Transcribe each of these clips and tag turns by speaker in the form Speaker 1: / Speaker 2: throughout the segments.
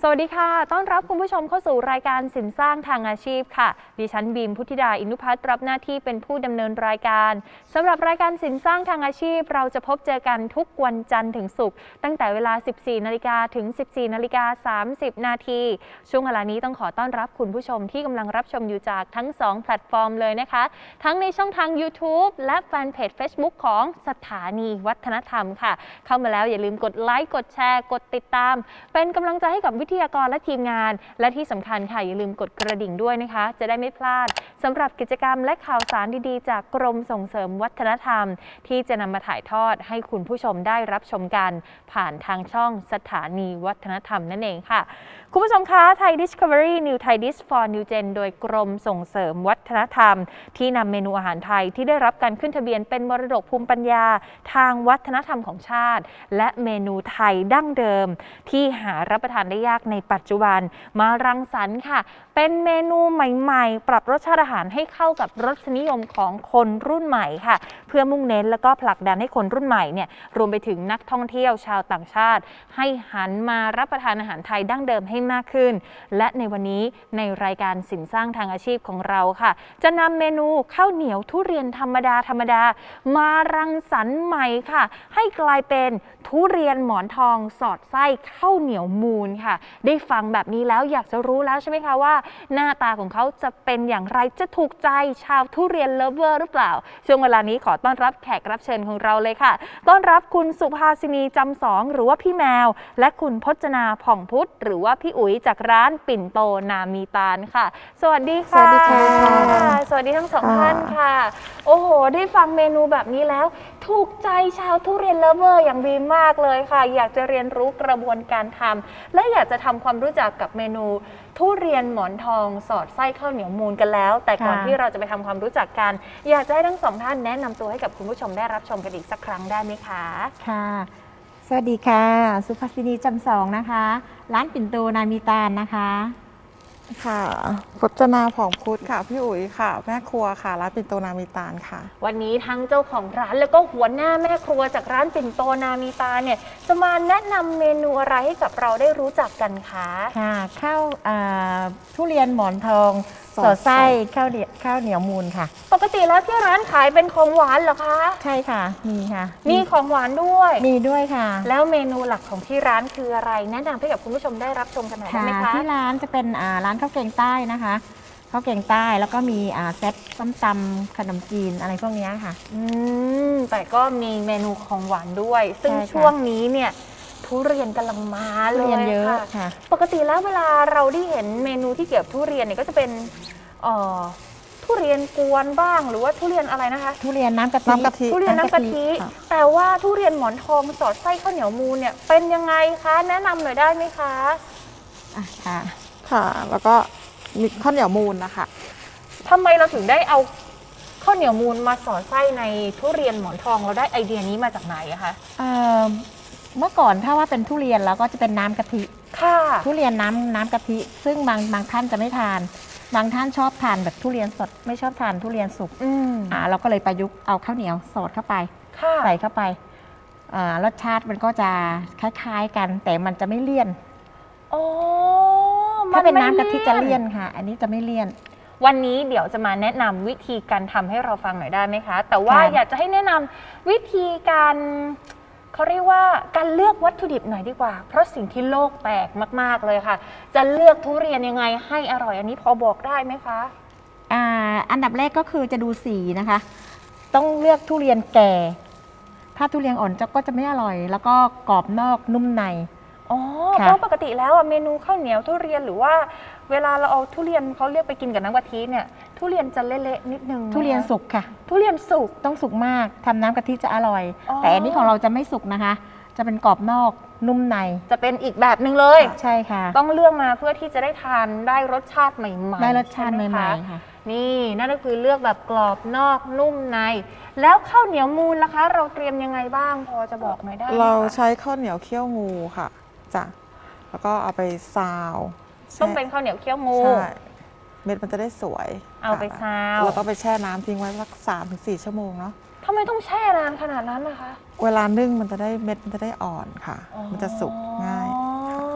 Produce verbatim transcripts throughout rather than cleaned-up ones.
Speaker 1: สวัสดีค่ะต้อนรับคุณผู้ชมเข้าสู่รายการสินสร้างทางอาชีพค่ะดิฉันบีมพุทธิดาอินุพัฒน์รับหน้าที่เป็นผู้ดำเนินรายการสำหรับรายการสินสร้างทางอาชีพเราจะพบเจอกันทุกวันจันทร์ถึงศุกร์ตั้งแต่เวลา สิบสี่นาฬิกา ถึง สิบสี่นาฬิกาสามสิบ นาทีช่วงเวลานี้ต้องขอต้อนรับคุณผู้ชมที่กำลังรับชมอยู่จากทั้งสองแพลตฟอร์มเลยนะคะทั้งในช่องทาง YouTube และแฟนเพจ Facebook ของสถานีวัฒนธรรมค่ะเข้ามาแล้วอย่าลืมกดไลค์กดแชร์กดติดตามเป็นกำลังใจให้กับวิทยากรและทีมงานและที่สำคัญค่ะอย่าลืมกดกระดิ่งด้วยนะคะจะได้ไม่พลาดสำหรับกิจกรรมและข่าวสารดีๆจากกรมส่งเสริมวัฒนธรรมที่จะนำมาถ่ายทอดให้คุณผู้ชมได้รับชมกันผ่านทางช่องสถานีวัฒนธรรมนั่นเองค่ะคุณผู้ชมคะไทย Discovery New Thai Dish for New Gen โดยกรมส่งเสริมวัฒนธรรมที่นำเมนูอาหารไทยที่ได้รับการขึ้นทะเบียนเป็นมรดกภูมิปัญญาทางวัฒนธรรมของชาติและเมนูไทยดั้งเดิมที่หารับประทานได้ยากในปัจจุบันมารังสรรค์ค่ะเป็นเมนูใหม่ๆปรับรสชาติอาหารให้เข้ากับรสนิยมของคนรุ่นใหม่ค่ะเพื่อมุ่งเน้นแล้วก็ผลักดันให้คนรุ่นใหม่เนี่ยรวมไปถึงนักท่องเที่ยวชาวต่างชาติให้หันมารับประทานอาหารไทยดั้งเดิมให้มากขึ้นและในวันนี้ในรายการสินสร้างทางอาชีพของเราค่ะจะนำเมนูข้าวเหนียวทุเรียนธรรมดาธรรมดามารังสรรค์ใหม่ค่ะให้กลายเป็นทุเรียนหมอนทองสอดไส้ข้าวเหนียวมูนค่ะได้ฟังแบบนี้แล้วอยากจะรู้แล้วใช่ไหมคะว่าหน้าตาของเขาจะเป็นอย่างไรจะถูกใจชาวทุเรียนเลิฟเวอร์หรือเปล่าช่วงเวลานี้ขอต้อนรับแขกรับเชิญของเราเลยค่ะต้อนรับคุณสุภาสินีจำสองหรือว่าพี่แมวและคุณพจนาผ่องพุทธหรือว่าพี่อุ๋ยจากร้านปิ่นโตนามีตาลค่ะสวัสดีค่ะ
Speaker 2: สวัสดีค่ะ
Speaker 1: สวัสดีทั้งสองท่านค่ะโอ้โหได้ฟังเมนูแบบนี้แล้วถูกใจชาวทุเรียนเลิฟเวอร์อย่างดีมากเลยค่ะอยากจะเรียนรู้กระบวนการทำและอยากจะทำความรู้จักกับเมนูทุเรียนหมอนทองสอดไส้ข้าวเหนียวมูนกันแล้วแต่ก่อนที่เราจะไปทำความรู้จักกันอยากจะให้ทั้งสองท่านแนะนำตัวให้กับคุณผู้ชมได้รับชมกันอีกสักครั้งได้ไหมคะ
Speaker 2: ค่ะสวัสดีค่ะสุภาสินีจำสองนะคะร้านปิ่นโตนามีตาลนะคะ
Speaker 3: ค่ะพจนาผ่องพุทธค่ะพี่อุ๋ยค่ะแม่ครัวค่ะร้านปิ่นโตนามีตาลค่ะ
Speaker 1: วันนี้ทั้งเจ้าของร้านแล้วก็หัวหน้าแม่ครัวจากร้านปิ่นโตนามีตาลเนี่ยจะมาแนะนำเมนูอะไรให้กับเราได้รู้จักกันคะ
Speaker 2: ค่ะข้าวทุเรียนหมอนทองสอดไส้ข้าวเหนียวข้าวเหนียวมูนค่ะ
Speaker 1: ปกติแล้วที่ร้านขายเป็นของหวานเหรอคะ
Speaker 2: ใช่ค่ะมีค่ะ
Speaker 1: มีของหวานด้วย
Speaker 2: มีด้วยค่ะ
Speaker 1: แล้วเมนูหลักของที่ร้านคืออะไรแนะนำให้กับคุณผู้ชมได้รับชมกันหน่อยได้ไหมคะ
Speaker 2: ที่ร้านจะเป็นร้านข้าวแกงใต้นะคะข้าวแกงใต้แล้วก็มีเซตส้มตำขนมจีนอะไรพวกนี้ค่ะ
Speaker 1: อืมแต่ก็มีเมนูของหวานด้วยซึ่งช่วงนี้เนี่ยทุเรียนกำลังมาเลย
Speaker 2: เยอะ
Speaker 1: ค่ะปกติแล้วเวลาเราได้เห็นเมนูที่เกี่ยวกับทุเรียนเนี่ยก็จะเป็นทุเรียนกวนบ้างหรือว่าทุเรียนอะไรนะคะ
Speaker 2: ทุเรียนน้ำกะทิ
Speaker 3: น้ำกะทิ
Speaker 1: ทุเรียนน้ำกะทิแต่ว่าทุเรียนหมอนทองสอดไส้ข้าวเหนียวมูนเนี่ยเป็นยังไงคะแนะนำหน่อยได้ไหมคะ
Speaker 2: อ่ะค่ะ
Speaker 3: ค่ะแล้วก็มีข้าวเหนียวมูนนะคะ
Speaker 1: ทำไมเราถึงได้เอาข้าวเหนียวมูนมาสอดไส้ในทุเรียนหมอนทองเราได้ไอเดียนี้มาจากไหนอะคะ
Speaker 2: เมื่อก่อนถ้าว่าเป็นทุเรียนแล้วก็จะเป็นน้ำกะทิ
Speaker 1: ค่ะ
Speaker 2: ทุเรียนน้ำน้ำกะทิซึ่งบางบางท่านจะไม่ทานบางท่านชอบทานแบบทุเรียนสดไม่ชอบทานทุเรียนสุกอ่าเราก็เลยประยุกต์เอาข้าวเหนียวสอดเข้าไปใส่เข้าไปอ่ารสชาติมันก็จะคล้ายๆกันแต่มันจะไม่เลี่ยน
Speaker 1: โอ้
Speaker 2: ถ้าเป็นน้ำกะทิจะเลี่ยนค่ะอันนี้จะไม่เลี่ยน
Speaker 1: วันนี้เดี๋ยวจะมาแนะนำวิธีการทำให้เราฟังหน่อยได้ไหมคะแต่ว่าอยากจะให้แนะนำวิธีการเขาเรียกว่าการเลือกวัตถุดิบหน่อยดีกว่าเพราะสิ่งที่โลกแตกมากๆเลยค่ะจะเลือกทุเรียนยังไงให้อร่อยอันนี้พอบอกได้ไหมคะ
Speaker 2: อ่าอันดับแรกก็คือจะดูสีนะคะต้องเลือกทุเรียนแก่ถ้าทุเรียนอ่อนจะก็จะไม่อร่อยแล้วก็กรอบนอกนุ่มใน
Speaker 1: อ๋อเพราะปกติแล้วเมนูข้าวเหนียวทุเรียนหรือว่าเวลาเราเอาทุเรียนเขาเรียกไปกินกับน้ำกะทิเนี่ยทุเรียนจะเละๆนิดนึง
Speaker 2: ทุเรียนสุกค่ะ
Speaker 1: ทุเรียนสุก
Speaker 2: ต้องสุกมากทำน้ำกะทิจะอร่อยแต่อันนี้ของเราจะไม่สุกนะคะจะเป็นกรอบนอกนุ่มใน
Speaker 1: จะเป็นอีกแบบหนึ่งเลย
Speaker 2: ใช่ค่ะ
Speaker 1: ต้องเลือกมาเพื่อที่จะได้ทานได้รสชาติใหม่ๆ
Speaker 2: ได้รสชาติใหม่ๆค่ะ
Speaker 1: นี่นั่นก็คือเลือกแบบกรอบนอกนุ่มในแล้วข้าวเหนียวมูนล่ะคะเราเตรียมยังไงบ้างพอจะบอกหน่อยได้ไหมคะ
Speaker 3: เราใช้ข้าวเหนียวเคี่ยวงูค่ะจ้ะแล้วก็เอาไปซาว
Speaker 1: ต้องเป็นข้าวเหนียวเคี่ยวงู
Speaker 3: ใช่เม็ดมันจะได้สวย
Speaker 1: เอาไปซาว
Speaker 3: แล้วก็ไปแช่น้ำทิ้งไว้สักสามถึงสี่ชั่วโมงเนาะ
Speaker 1: ทำไมต้องแช่นานขนาดนั้นนะคะ
Speaker 3: เวลานึ่งมันจะได้เม็ดมันจะได้อ่อนค่ะมันจะสุกง่าย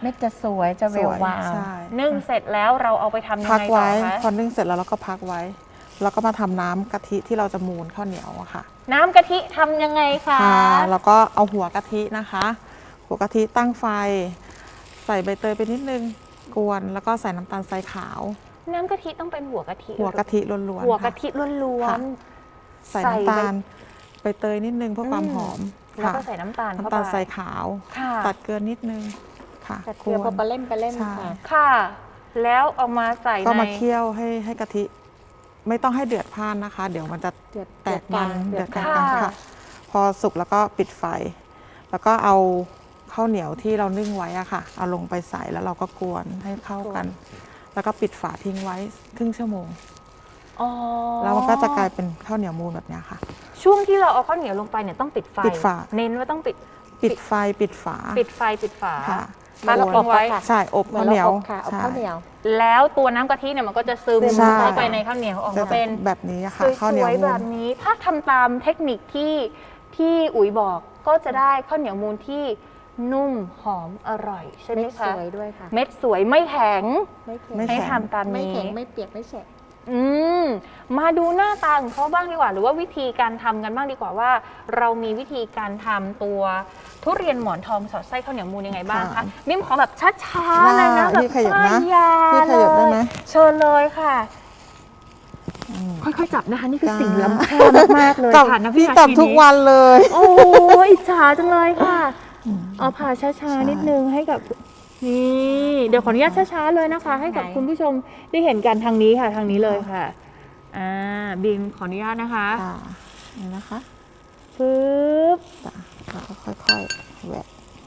Speaker 2: เม็ดจะสวยจะเว
Speaker 3: ส
Speaker 2: ว
Speaker 3: วยว
Speaker 2: าว
Speaker 3: ใช่
Speaker 1: นึ่งเสร็จแล้วเราเอาไปทำยัง
Speaker 3: พัก
Speaker 1: ไงต่อ
Speaker 3: ไว้
Speaker 1: คะ
Speaker 3: พอนึ่งเสร็จแล้วเราก็พักไว้ แล้วก็มาทำน้ำกะทิที่เราจะมูนข้าวเหนียวอะค่ะ
Speaker 1: น้ำกะทิทำยังไงคะ
Speaker 3: ค่ะแล้วก็เอาหัวกะทินะคะ หัวกะทิตั้งไฟ ใส่ใบเตยไปนิดนึงกวนแล้วก็ใส่น้ำตาลทรายขาว
Speaker 1: น้ำกะทิต้องเป็นหัวกะทิ
Speaker 3: หัวกะทิล้วนๆ
Speaker 1: หัวกะ
Speaker 3: ค่ะ
Speaker 1: ทิล้วน
Speaker 3: ค่ะ
Speaker 1: ๆ
Speaker 3: ใส่น้ำตาลใบเตยนิดนึงเพื่อความ
Speaker 1: อืม
Speaker 3: หอม
Speaker 1: แล้วก็
Speaker 3: ค่ะ
Speaker 1: ใส่น้ำตาลเข้า
Speaker 3: น้ำ
Speaker 1: ไป
Speaker 3: ตาลทรายขาว
Speaker 1: ค่ะ
Speaker 3: ตัดเกลือนิดนึงค่ะ
Speaker 2: แต่เกลือพอปลาเล่มปลาเล่ม
Speaker 3: ใช่
Speaker 2: ค่ะ
Speaker 1: ค่ะ แล้วเอามาใส่
Speaker 3: ก็
Speaker 1: ใน
Speaker 3: มาเคี่ยวให้ให้กะทิ ไม่ต้องให้เดือดพล่านนะคะ เดี๋ยวมันจะ
Speaker 2: เดือด
Speaker 3: แตกมัน
Speaker 2: เดื
Speaker 3: เดื
Speaker 2: อ
Speaker 3: อ
Speaker 2: ด
Speaker 3: ด
Speaker 2: ก
Speaker 3: ก
Speaker 2: ลา
Speaker 3: ลาง งๆค่ะ พอสุกแล้วก็ปิดไฟ แล้วก็เอาข้าวเหนียวที่เรานึ่งไว้อะค่ะ เอาลงไปใส่แล้วเราก็กวนให้เข้ากัน แล้วก็ปิดฝาทิ้งไว้ครึ่งชั่วโมง
Speaker 1: อ๋อ
Speaker 3: แล้วมันก็จะกลายเป็นข้าวเหนียวมูนแบบเนี้ยค่ะ
Speaker 1: ช่วงที่เราเอาข้าวเหนียวลงไปเนี่ยต้องปิดไฟ
Speaker 3: ปิดฝา
Speaker 1: เน้นว่าต้องปิด
Speaker 3: ปิดไฟปิดฝา
Speaker 1: ปิดไฟปิดฝา
Speaker 3: ค่ะ
Speaker 1: พัก
Speaker 3: แล้ว
Speaker 1: ทิ้งไว้
Speaker 2: ค่ะ
Speaker 3: ใช่อบ
Speaker 2: เหมือ
Speaker 3: ข้าน วเหนียว
Speaker 2: เราอบค่ะอบ
Speaker 3: ใช่
Speaker 2: ข้าวเหนียว
Speaker 1: แล้วตัวน้ำกะทิเนี่ยมันก็จะซึม
Speaker 3: ใช่
Speaker 1: เข้าไปในข้าวเหนียวออก
Speaker 3: จะ
Speaker 1: มาเป็น
Speaker 3: แบบนี้อะ
Speaker 1: ส
Speaker 3: ค่ะข้าวเหนียว
Speaker 1: วย
Speaker 3: มู
Speaker 1: ๆแบ
Speaker 3: น
Speaker 1: บนี้ ถ้าทำตามเทคนิคที่ที่อุ๋ยบอกก็จะได้ข้าวเหนียวมูนที่นุ่มหอมอร่อยใช่ไหม
Speaker 2: เม็ดส
Speaker 1: คะ
Speaker 2: วยด้วยค่ะ
Speaker 1: เม็ดสวยไม่แข็ง
Speaker 2: ไม่แข็ง
Speaker 3: ไม่
Speaker 1: ให้
Speaker 3: แข็ง
Speaker 1: ทำตาม
Speaker 2: ไม่
Speaker 1: นี้
Speaker 2: แข็งไม่เปียกไม่แฉะ
Speaker 1: อืมมาดูหน้าตาของเขาบ้างดีกว่า หรือว่าวิธีการทำกันบ้างดีกว่าว่า เรามีวิธีการทำตัวทุเรียนหมอนทองสอดไส้ข้าวเหนียวมูนยังไงบ้างคะ
Speaker 3: ค่ะ
Speaker 1: มิมขอแบบช้าๆเลยนะ
Speaker 3: ได้
Speaker 1: แบบ
Speaker 3: พี่ขยับนะ
Speaker 1: ป้ายยา
Speaker 3: พี่ขยับได้ไหม
Speaker 1: เลยเชิญเลยค่ะ
Speaker 3: อืม
Speaker 1: ค่อยๆจับนะคะ นี่คือ
Speaker 3: จ้า
Speaker 1: สิ่งล้ำค่ามากๆเลย
Speaker 3: จับ
Speaker 1: ค่ะนะ
Speaker 3: พี่
Speaker 1: นา
Speaker 3: จับ
Speaker 1: ที
Speaker 3: ทุก
Speaker 1: นี้
Speaker 3: วันเลย
Speaker 1: โอ้ยอิจฉาจังเลยค่ะ เอาผ่าช้า
Speaker 3: ใช่
Speaker 1: ๆนิดนึงให้กับนี่เดี๋ยวขออนุญาตช้าๆเลยนะคะ ให้กับ
Speaker 2: ไหน
Speaker 1: คุณผู้ชมได้เห็นกันทางนี้ค่ะทางนี้เลยค่ะอ่าบีมขออนุญาตนะคะ
Speaker 3: ค่ะนี่นะคะ
Speaker 1: ปึ๊บ
Speaker 3: จ้ะแล้วก็ค่อยๆแหวก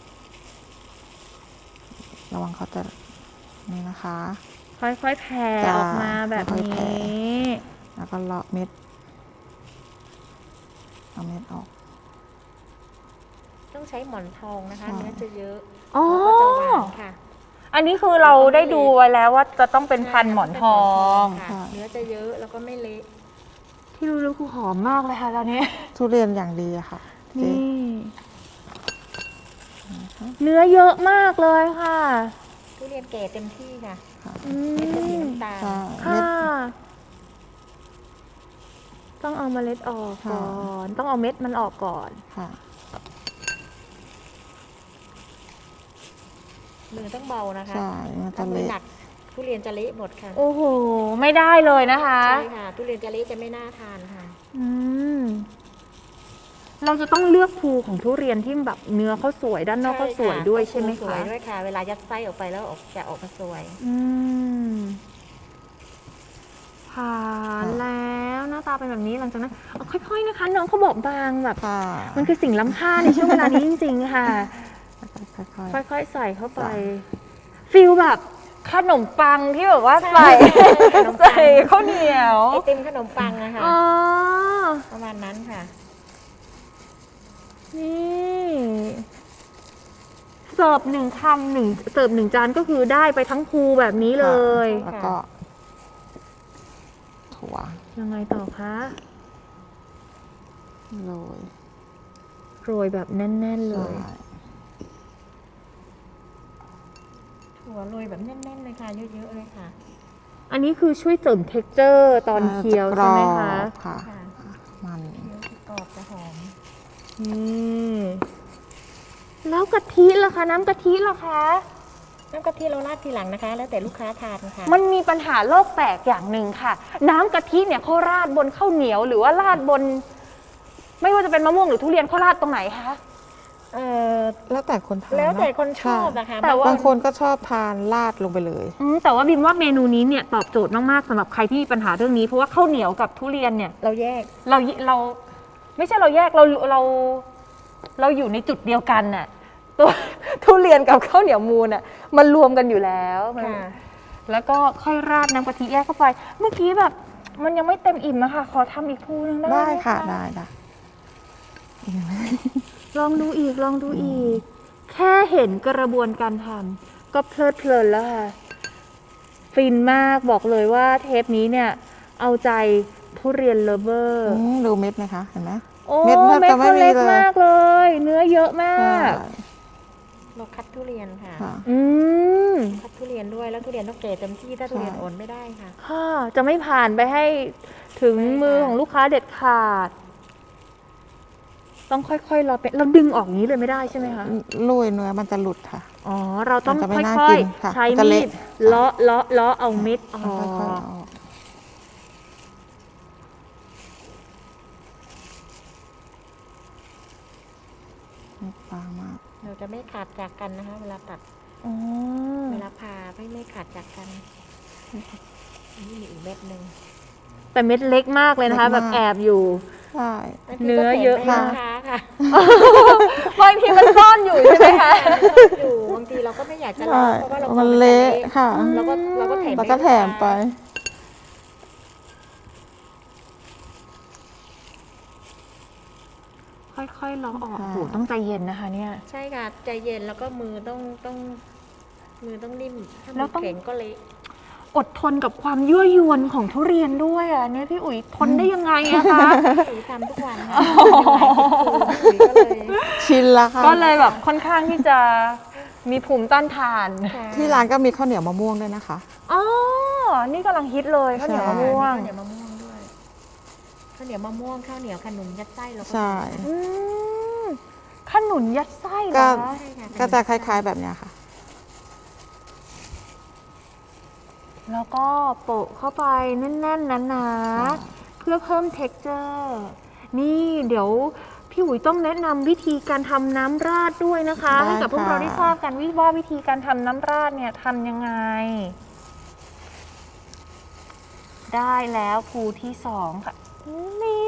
Speaker 3: ระวังเขาจะนี่นะคะ
Speaker 1: ค่อยๆแผ่
Speaker 3: จ้า
Speaker 1: ออกมาแบบ
Speaker 3: ค่อยๆแผ่
Speaker 1: นี้
Speaker 3: แล้วก็เลาะเม็ดเอาเม็ดออก
Speaker 2: ต้องใช้หมอนทองนะคะ
Speaker 3: ใช่
Speaker 2: เนื้อจะเยอะ
Speaker 1: อ๋อ
Speaker 2: แล้วก็จะหวานค่ะ
Speaker 1: อันนี้คือเราได้ดูไว้แล้วว่าจะต้องเป็นพันธุ์หมอนทอง
Speaker 2: ค่ะเนื้อจะเยอะแล้วก็ไม่เละ
Speaker 1: ที่รู้ๆคือหอมมากเลยค่ะตอนนี้
Speaker 3: ทุเรียนอย่างดีอะค่ะเจ๊
Speaker 1: นี่เนื้อเยอะมากเลยค่ะ
Speaker 2: ทุเรียนแก่เต็มที่ค่ะ
Speaker 3: ค่ะ
Speaker 1: อื
Speaker 2: เม็ดจะสี
Speaker 1: ม
Speaker 2: น้ำตาล
Speaker 3: ใช่
Speaker 1: ค่ะ
Speaker 3: เม็ด
Speaker 1: ต้องเอาเมล็ดออก
Speaker 3: ค่ะ
Speaker 1: ก่อน ต้องเอาเม็ดมันออกก่อน
Speaker 3: ค่ะ
Speaker 2: มือต้องเบานะคะ
Speaker 3: ใช่มันจะ
Speaker 2: ถ้ามือ
Speaker 3: เละ
Speaker 2: หนักทุเรียนจะเละหมดค่ะ
Speaker 1: โอ้โห ไม่ได้เลยนะคะ
Speaker 2: ใช่ค่ะ ทุเรียนจะเละจะไม่น่าทานค่ะ
Speaker 1: อืม เราจะต้องเลือกภูของทุเรียนที่แบบเนื้อเขาสวยด้านนอกก็สวยด้วยใช่ไหม
Speaker 2: สวย
Speaker 1: คะ
Speaker 2: ด้วยค่ะ เวลายัดไส้ออกไปแล้วออกจะออกมาสวย
Speaker 1: อืมผ่านแล้วหน้าตาเป็นแบบนี้หลังจากนั้นเอาค่อย ๆนะคะ น้องเขาบอกบางแบบ
Speaker 3: ค่ะ
Speaker 1: มันคือสิ่งล้ำค่าในช่วงเวลานี้จริงๆค่ะ
Speaker 3: ค่อย
Speaker 1: ค่อยๆ ใส่เข้าไป
Speaker 3: จ้ะ
Speaker 1: ฟิลแบบขนมปังที่แบบว่าใส่
Speaker 2: ขนมปัง
Speaker 1: ใส่ข้าวเหนียว
Speaker 2: ไอติมขนมปังนะคะ
Speaker 1: อ๋อ
Speaker 2: ประมาณนั้นค่ะ
Speaker 1: นี่เสิร์ฟหนึ่งคำหนึ่งเสิร์ฟหนึ่งจานก็คือได้ไปทั้งภูแบบนี้เลย
Speaker 3: ๆแล้วก็ถั่ว
Speaker 1: ยังไงต่อคะ
Speaker 3: โรย
Speaker 1: โรยแบบแน่น ๆ เลย
Speaker 3: ใช่
Speaker 2: ถั่วโรยแบบแน่นๆเลยค่ะ เยอะๆเลยค่ะ
Speaker 1: อันนี้คือช่วยเสริมเท็กเจอร์ตอนเคี้ยวใช่ไหมคะ
Speaker 3: จกรอบค่ะ
Speaker 2: ค่ะ
Speaker 3: มัน
Speaker 2: เคี้ยวจะกรอบจะหอม
Speaker 1: นี่แล้วกะทิล่ะคะ น้ำกะทิล่ะคะ
Speaker 2: น้ำกะทิเราราดทีหลังนะคะ แล้วแต่ลูกค้าทานค่ะ
Speaker 1: มันมีปัญหาโลกแตกอย่างหนึ่งค่ะ น้ำกะทิเนี่ยเขาราดบนข้าวเหนียว หรือว่าราดบน ไม่ว่าจะเป็นมะม่วงหรือทุเรียนเขาราดตรงไหนคะ
Speaker 2: เออ
Speaker 3: แล้วแต่คนทาน
Speaker 2: แล้วแต่
Speaker 3: เอะ
Speaker 2: คนชอบ
Speaker 3: ใ
Speaker 2: นะคะ
Speaker 1: แต่ว่า
Speaker 3: บางคนก็ชอบทานราดลงไปเลย
Speaker 1: อืมแต่ว่าบิมว่าเมนูนี้เนี่ยตอบโจทย์มากๆสำหรับใครที่มีปัญหาเรื่องนี้เพราะว่าข้าวเหนียวกับทุเรียนเนี่ย
Speaker 2: เราแยก
Speaker 1: เราเรา ไม่ใช่เราแยกเราเราเราอยู่ในจุดเดียวกันน่ะตัวทุเรียนกับข้าวเหนียวมูนอ่ะมันรวมกันอยู่แล้วมัน
Speaker 2: ค่ะ
Speaker 1: แล้วก็ค่อยราดน้ำกะทิแยกเข้าไป เมื่อกี้แบบ มันยังไม่เต็มอิ่มอะค่ะ ขอทำอีกภูนึงได้ไหม
Speaker 3: ได้ค่ะได้ได้
Speaker 1: ลองดูอีกลองดูอีก แค่เห็นกระบวนการทำก็เพลิดเพลินแล้วค่ะ ฟินมากบอกเลยว่าเทปนี้เนี่ย เอาใจทุเรียนเลฟเวอร์
Speaker 3: อืมดูเม็ดไหมคะ เห็นไหม
Speaker 1: โอ้
Speaker 3: เม็ดแทบ
Speaker 1: เม็ด
Speaker 3: จะไม่
Speaker 1: เขา
Speaker 3: มี
Speaker 1: เล็ก
Speaker 3: เลย
Speaker 1: มากเลย เนื้อเยอะมา
Speaker 3: ใช่
Speaker 1: ก
Speaker 2: เราคัดทุเรียนค่ะ
Speaker 3: ค่ะ
Speaker 1: อืม
Speaker 2: คัดทุเรียนด้วยแล้วทุเรียนต้องเกรดเต็มที่ถ้าทุเรียน
Speaker 3: ใช่
Speaker 2: อ่อนไม่ได้ค่ะ
Speaker 1: ค่ะ จะไม่ผ่านไปให้ถึง
Speaker 2: ใช่ค่ะ
Speaker 1: มือของลูกค้าเด็ดขาด ต้องค่อยๆรอเป็นเราดึงออกอย่างนี้เลยไม่ได้ใช่ไหมคะ
Speaker 3: ลุยเนื้อมันจะหลุดค่ะ
Speaker 1: อ๋อ เราต้อง
Speaker 3: มันจะไม่
Speaker 1: ค่
Speaker 3: น่า
Speaker 1: อย
Speaker 3: กินค่ะ
Speaker 1: ๆ ใช้
Speaker 3: มันจะ
Speaker 1: มี
Speaker 3: เละ
Speaker 1: ดเลาะเลาะเลาะเอาเม็ดอ๋อ
Speaker 3: ค่อยๆเอาออกไม่บางมาก
Speaker 2: เราจะไม่ขาดจากกันนะคะ เวลาตัด
Speaker 1: อ๋อ
Speaker 2: เวลาผ่าไม่ไม่ขาดจากกันอันนี้มีอีกเม็ดหนึ่ง
Speaker 1: แต่เม็ดเล็กมากเลยนะคะ
Speaker 3: เล็
Speaker 1: แบ
Speaker 3: ก
Speaker 1: บ
Speaker 3: มาก
Speaker 1: แอบอยู่
Speaker 3: ใช่
Speaker 2: บางที
Speaker 1: เนื้
Speaker 2: ก็
Speaker 1: อ
Speaker 2: แถม
Speaker 1: เยอะ
Speaker 2: ให้
Speaker 1: มาก
Speaker 2: ลูกค้าค่ะ
Speaker 1: บางทีมันซ่อนอยู่ใช่ไหมคะ
Speaker 2: อยู่บางทีเราก็ไม่อยากจะ
Speaker 3: ใช่
Speaker 2: เล่าเพราะว่าเรา
Speaker 3: มัน
Speaker 2: กว
Speaker 3: เละค่ะ
Speaker 2: เราก็เราก็แถม
Speaker 3: แล้วก็แถมไป
Speaker 1: ค่อยๆเลาะออก
Speaker 3: ค่ะ
Speaker 1: โอ้โหต้องใจเย็นนะคะเนี่ย
Speaker 2: ใช่ค่ะใจเย็นแล้วก็มือต้องต้องมือต้องนิ่มถ้า
Speaker 1: แล้
Speaker 2: มื
Speaker 1: ว
Speaker 2: อ
Speaker 1: ต้อง
Speaker 2: แข็งก็เละ
Speaker 1: อดทนกับความยั่วยวนของทุเรียนด้วยอ่ะเนี่ยพี่อุ๋ยทนได้ยังไงอะคะ
Speaker 2: อุ๋ยทำทุกวันค่ะเป็นหลายสิบปีอุ๋ยก็เลย
Speaker 3: ชินละค่ะ
Speaker 1: ก็เลยแบบค่อนข้างที่จะมีภูมิต้านทาน
Speaker 2: ค่ะ
Speaker 3: ที่ร้านก็มีข้าวเหนียวมะม่วงด้วยนะคะ
Speaker 1: อ๋อ นี่กำลังฮิตเลยข้าวเหนียวมะม่วง
Speaker 2: ข้าวเหนียวมะม่วงด้วยข้าวเหนียวมะม่วงข้าวเหนียวขนุนยัดไส้เราก็
Speaker 3: ใช่
Speaker 1: อืมขนุนยัดไส้เหร
Speaker 3: ก็
Speaker 1: อ
Speaker 2: ใช่ค่ะ
Speaker 3: ก็จะคล้าย ๆแบบเนี้ยค่ะ
Speaker 1: แล้วก็โปะเข้าไปแน่นๆหนาๆเพื่อเพิ่ม texture นี่เดี๋ยวพี่อุ๋ยต้องแนะนำวิธีการทำน้ำราดด้วยนะคะ
Speaker 3: ได้
Speaker 1: ให้กับพวก
Speaker 3: ค่ะ
Speaker 1: เราได้ทราบกันว่าวิธีการทำน้ำราดเนี่ยทำยังไง ได้แล้วภูที่สองค่ะ นี่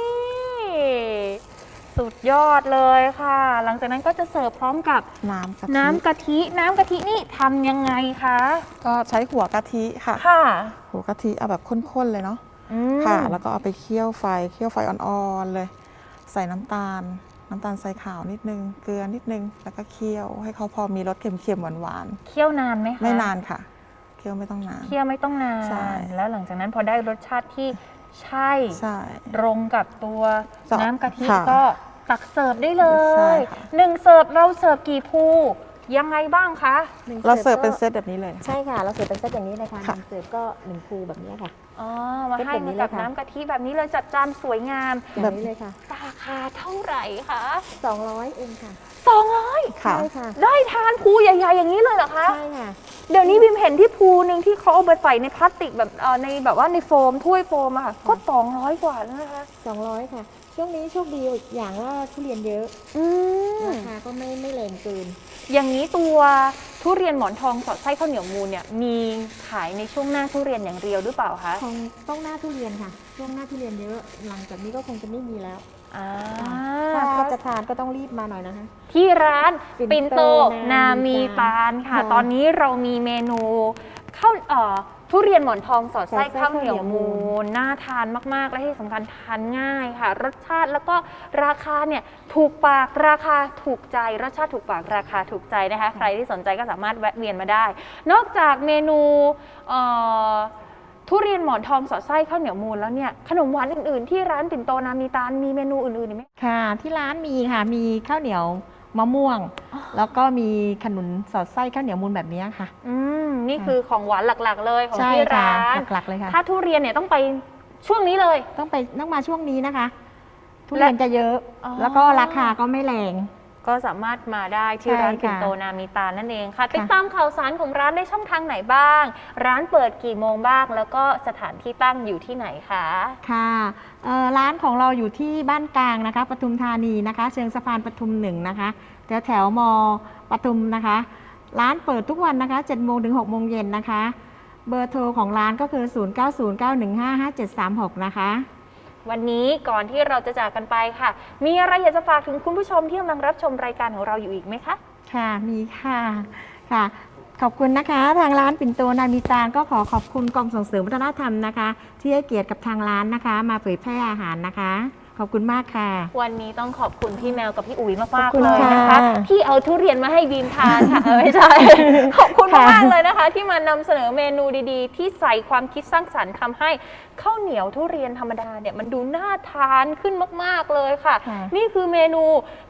Speaker 1: สุดยอดเลยค่ะ หลังจากนั้นก็จะเสิร์ฟพร้อมกับ
Speaker 3: น้ำกะทิ
Speaker 1: น้ำกะทิ น้ำกะทินี่ทำยังไงคะ
Speaker 3: ก็ใช้หัวกะทิค่ะ
Speaker 1: ค่ะ
Speaker 3: หัวกะทิเอาแบบข้นๆเลยเนาะ
Speaker 1: อืม
Speaker 3: ค่ะ แล้วก็เอาไปเคี่ยวไฟ เคี่ยวไฟอ่อนๆเลย ใส่น้ำตาล น้ำตาลทรายขาวนิดนึง เกลือนิดนึง แล้วก็เคี่ยวให้เขาพอมีรสเค็มๆหวาน
Speaker 1: เคี่ยวนานไหม
Speaker 3: ๆ
Speaker 1: คะ
Speaker 3: ไม่นานค่ะ เคี่ยวไม่ต้องนาน
Speaker 1: เคี่ยวไม่ต้องนาน
Speaker 3: ใช่
Speaker 1: แล้วหลังจากนั้นพอได้รสชาติที่ใช่
Speaker 3: ใช่
Speaker 1: ตรงกับตัว
Speaker 3: จะ
Speaker 1: น้ำกะทิ
Speaker 3: ค่ะ
Speaker 1: ก็ตักเสิร์ฟได้เล
Speaker 3: ใช่
Speaker 1: ย
Speaker 3: ค่ะ
Speaker 1: หนึ่งเสิร์ฟเราเสิร์ฟกี่ภูยังไงบ้างคะ
Speaker 2: หนึ่ง
Speaker 3: เราเสิร์ฟ
Speaker 2: ก็
Speaker 3: เป็นเซตแบบนี้เลยนะคะ
Speaker 2: ใช่ค่ะ เราเสิร์ฟเป็นเซตอย่างนี้เลยค่ะห
Speaker 3: ค่ะ
Speaker 2: นึ่งเสิร์ฟก็หนึ่งภูแบบนี้ค่ะ
Speaker 1: อ๋อ มา
Speaker 2: เป็น
Speaker 1: ให้
Speaker 2: แบบนี้
Speaker 1: มากับ
Speaker 2: เลยค่ะ
Speaker 1: น้ำกะทิแบบนี้เลยจัดจานสวยงาม
Speaker 2: อย่างนี้เลยค่ะ
Speaker 1: ราคาเท่าไหร่คะ
Speaker 2: สองร้อยเองค่ะ
Speaker 1: สองร้อย
Speaker 3: ค่ะ
Speaker 2: ใช่ค่ะ
Speaker 1: ได้ทานภูใหญ่ๆอย่างนี้เลยเหรอคะ
Speaker 2: ใช่ค่ะ
Speaker 1: เดี๋ยวนี้บิมเห็นที่ภูหนึ่งที่เขาเอาไปใส่ในพลาสติกแบบเอ่อในแบบว่าในโฟมถ้วยโฟมอะค่ะก็สองร้อยกว่าแล้วนะคะ
Speaker 2: สองร้อยค่ะ ช่วงนี้โชคดีอย่างว่าทุเรียนเยอะ
Speaker 1: อืม
Speaker 2: ราคาก็ไม่ไม่แรงเกิน
Speaker 1: อย่างนี้ตัวทุเรียนหมอนทองสอดไส้ข้าวเหนียวมูลเนี่ยมีขายในช่วงหน้าทุเรียนอย่างเดียวหรือเปล่าคะ
Speaker 2: คงต้องหน้าทุเรียนค่ะ ช่วงหน้าทุเรียนเยอะ หลังจากนี้ก็คงจะไม่มีแล้ว
Speaker 1: อ่า
Speaker 2: ถ้าจะทานก็ต้องรีบมาหน่อยนะคะ
Speaker 1: ที่ร้าน
Speaker 2: ปิ่
Speaker 1: ปิน
Speaker 2: น
Speaker 1: โต
Speaker 2: โต
Speaker 1: นา
Speaker 2: นา
Speaker 1: มี
Speaker 2: มี
Speaker 1: ตา
Speaker 2: ตา
Speaker 1: ล
Speaker 2: ล
Speaker 1: ค่ะ
Speaker 2: ค่ะ
Speaker 1: ตอนนี้เรามีเมนูข้าวเอ่อทุเรียนหมอนทองสอดไส้
Speaker 2: สอดไส้
Speaker 1: ข้าวเหนียว
Speaker 2: ข้าวเหนียวมู
Speaker 1: มูล
Speaker 2: ล
Speaker 1: น่าทานมากๆ และที่สำคัญทานง่ายค่ะ รสชาติแล้วก็ราคาเนี่ยถูกปากราคาถูกใจ รสชาติถูกปากราคาถูกใจนะคะ ใครที่สนใจก็สามารถแวะเวียนมาได้ นอกจากเมนูเอ่อทุเรียนหมอนทองสอดไส้ข้าวเหนียวมูลแล้วเนี่ยขนมหวานอื่นๆ ที่ร้านปิ่นโตนามีตาลมีเมนูอื่นๆอีกไหม
Speaker 2: ค่ะ ที่ร้านมีค่ะ มีข้าวเหนียวมะม่วง แล้วก็มีขนุนสอดไส้ข้าวเหนียวมูลแบบนี้ค่ะ
Speaker 1: อืมนี่คือของหวานหลักๆ เลยของ
Speaker 2: ใช่
Speaker 1: ที่
Speaker 2: ค่ะ
Speaker 1: ร้าน
Speaker 2: หลักๆเลยค่ะ
Speaker 1: ถ้าทุเรียนเนี่ยต้องไปช่วงนี้เลย
Speaker 2: ต้องไปต้องมาช่วงนี้นะคะ ทุเรียนจะเยอะ
Speaker 1: อ๋อ
Speaker 2: แล้วก็ราคาก็ไม่แรง
Speaker 1: ก็สามารถมาได้ที่
Speaker 2: ใช่
Speaker 1: ร้านปิ่น
Speaker 2: ค่ะ
Speaker 1: โตนามีตาลนั่นเองค่ะ
Speaker 2: ค่ะ
Speaker 1: ติดตามข่าวสารของร้านได้ช่องทางไหนบ้าง ร้านเปิดกี่โมงบ้าง แล้วก็สถานที่ตั้งอยู่ที่ไหนคะ
Speaker 2: ค่ะเอ่อร้านของเราอยู่ที่บ้านกลางนะคะปทุมธานีนะคะ เชิงสะพานปทุมหนึ่งนะคะแถวแถวมปทุมนะคะ ร้านเปิดทุกวันนะคะเจ็ดโมงถึงหกโมงเย็นนะคะ เบอร์โทรของร้านก็คือ ศูนย์ เก้า ศูนย์ เก้า หนึ่ง ห้า ห้า เจ็ด สาม หก นะคะ
Speaker 1: วันนี้ก่อนที่เราจะจากกันไปค่ะ มีอะไรอยากจะฝากถึงคุณผู้ชมที่กำลังรับชมรายการของเราอยู่อีกไหมคะ
Speaker 2: ค่ะ มีค่ะค่ะ ขอบคุณนะคะ ทางร้านปิ่นโตนามีตาลก็ขอขอบคุณกองส่งเสริมวัฒนธรรมนะคะ ที่ให้เกียรติกับทางร้านนะคะ มาเผยแพร่อาหารนะคะ ขอบคุณมากค่ะ
Speaker 1: วันนี้ต้องขอบคุณพี่แมวกับพี่อุ๋ยมาก
Speaker 2: ขอบ
Speaker 1: ๆ
Speaker 2: คุณ
Speaker 1: เลยนะคะ
Speaker 2: ค่ะ
Speaker 1: ที่เอาทุเรียนมาให้บีมทานค่ะเออไม่ใช่ ขอบคุณมากๆเลยนะคะ ที่มานำเสนอเมนูดีๆ ที่ใส่ความคิดสร้างสรรค์ทำให้ข้าวเหนียวทุเรียนธรรมดาเนี่ยมันดูน่าทานขึ้นมากๆเลยค่ะ
Speaker 2: ค่ะ
Speaker 1: นี่คือเมนู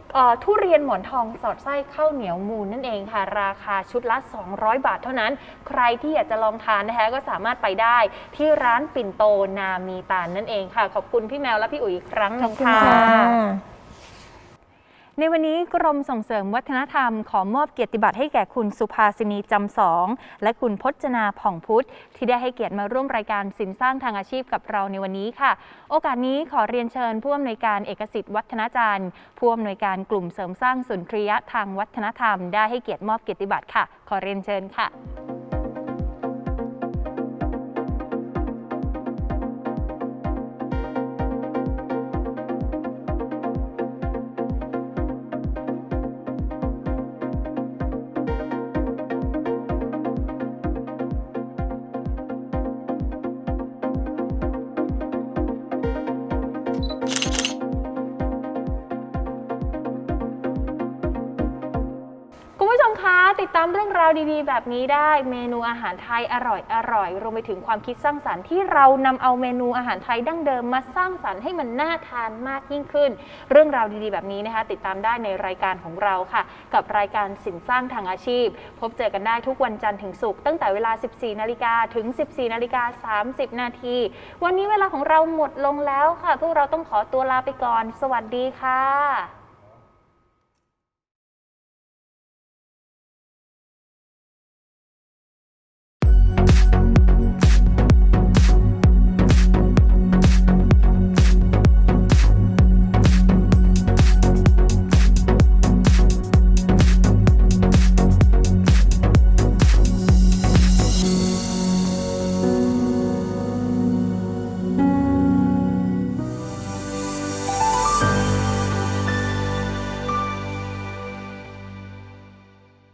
Speaker 1: เอ่อทุเรียนหมอนทองสอดไส้ข้าวเหนียวมูนนั่นเองค่ะราคาชุดละสองร้อยบาทเท่านั้นใครที่อยากจะลองทานนะคะก็สามารถไปได้ที่ร้านปิ่นโตนามีตาลนั่นเองค่ะขอบคุณพี่แมวและพี่อุ๋ยอีกครั้งหนึ่งค่ะ ในวันนี้กรมส่งเสริมวัฒนธรรมขอมอบเกียรติบัตรให้แก่คุณสุภาสินีจำสองและคุณพจนาผ่องพุทธที่ได้ให้เกียรติมาร่วมรายการสินสร้างทางอาชีพกับเราในวันนี้ค่ะ โอกาสนี้ขอเรียนเชิญผู้อำนวยการเอกสิทธิ์วัฒนาจันทร์ผู้อำนวยการกลุ่มเสริมสร้างสุนทรียะทางวัฒนธรรมได้ให้เกียรติมอบเกียรติบัตรค่ะ ขอเรียนเชิญค่ะ คุณผู้ชมคะติดตามเรื่องราวดีๆแบบนี้ได้เมนูอาหารไทยอร่อยอร่อยรวมไปถึงความคิดสร้างสรรค์ที่เรานำเอาเมนูอาหารไทยดั้งเดิมมาสร้างสรรค์ให้มันน่าทานมากยิ่งขึ้น เรื่องราวดีๆแบบนี้นะคะติดตามได้ในรายการของเราค่ะกับรายการสินสร้างทางอาชีพพบเจอกันได้ทุกวันจันทร์ถึงศุกร์ตั้งแต่เวลา สิบสี่นาฬิกาถึง สิบสี่นาฬิกาสามสิบนาทีวันนี้เวลาของเราหมดลงแล้วค่ะพวกเราต้องขอตัวลาไปก่อนสวัสดีค่ะ